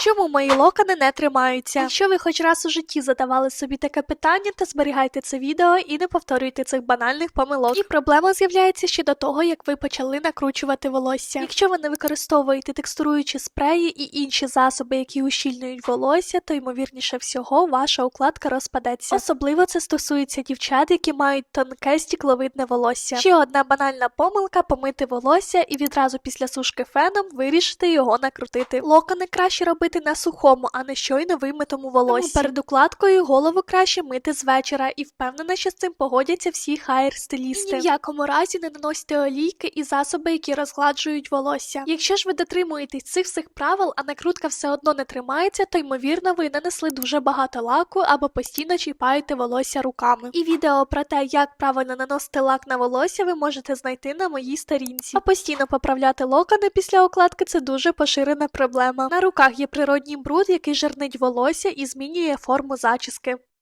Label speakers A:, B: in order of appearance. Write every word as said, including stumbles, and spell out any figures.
A: Чому мої локони не тримаються? Якщо ви хоч раз у житті задавали собі таке питання, то зберігайте це відео і не повторюйте цих банальних помилок. І проблема з'являється ще до того, як ви почали накручувати волосся. Якщо ви не використовуєте текстуруючі спреї і інші засоби, які ущільнюють волосся, то ймовірніше всього ваша укладка розпадеться. Особливо це стосується дівчат, які мають тонке стікловидне волосся. Ще одна банальна помилка – помити волосся і відразу після сушки феном вирішити його накрутити. Локони краще робити на сухому, а не щойно вимитому волоссі. Тому перед укладкою голову краще мити з вечора, і впевнена, що з цим погодяться всі хайр-стилісти. Ні в якому разі не наносьте олійки і засоби, які розгладжують волосся. Якщо ж ви дотримуєтесь цих всіх правил, а накрутка все одно не тримається, то ймовірно ви нанесли дуже багато лаку або постійно чіпаєте волосся руками. І відео про те, як правильно наносити лак на волосся, ви можете знайти на моїй сторінці. А постійно поправляти локони після укладки – це дуже поширена проблема. На руках є природній бруд, який жирнить волосся і змінює форму зачіски.